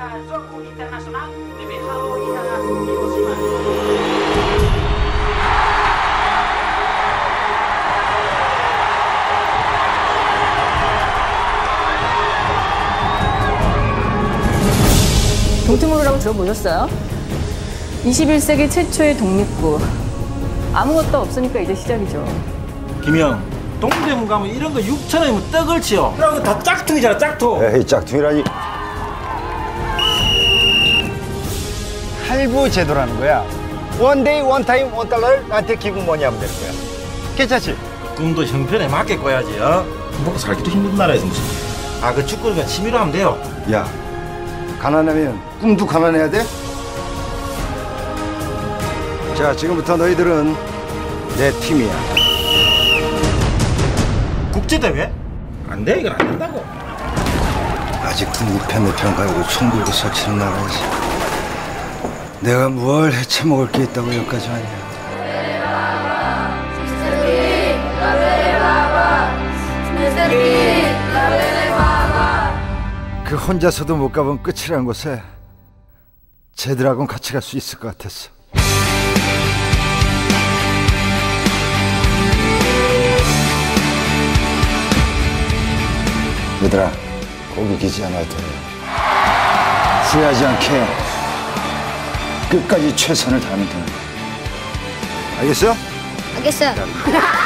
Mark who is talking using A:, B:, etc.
A: Zoku Internasional DBHO IAA Hiroshima.
B: 동트모르라고 들어보셨어요? 21세기 최초의 독립구. 아무것도 없으니까 이제 시작이죠.
C: 김영, 동대문 가면 이런 거 6,000원이면 떡을 치요. 이런 거 다 짝퉁이잖아, 짝퉁.
D: 에이, 짝퉁이라니. 할부 제도라는 거야. 원데이, 원타임, 원달러를 나한테 기분 뭐니 하면 되는 거야. 괜찮지?
C: 꿈도 형편에 맞게 꿔야지, 어? 먹고 살기도 힘든 나라에서 무슨. 아, 그 축구니까 취미로 하면 돼요.
D: 야, 가난하면 꿈도 가난해야 돼? 자, 지금부터 너희들은 내 팀이야.
C: 국제대회? 안 돼, 이건 안 된다고.
D: 아직도 무패무평 가지고 총 들고 설치는 나라야지. 내가 뭘 해쳐먹을 게 있다고 여기까지 왔냐. 그 혼자서도 못 가본 끝이라는 곳에 쟤들하고는 같이 갈 수 있을 것 같았어. 얘들아, 거기 기지 않아도 돼. 후회하지 않게 끝까지 최선을 다하면 돼. 알겠어?
E: 알겠어요.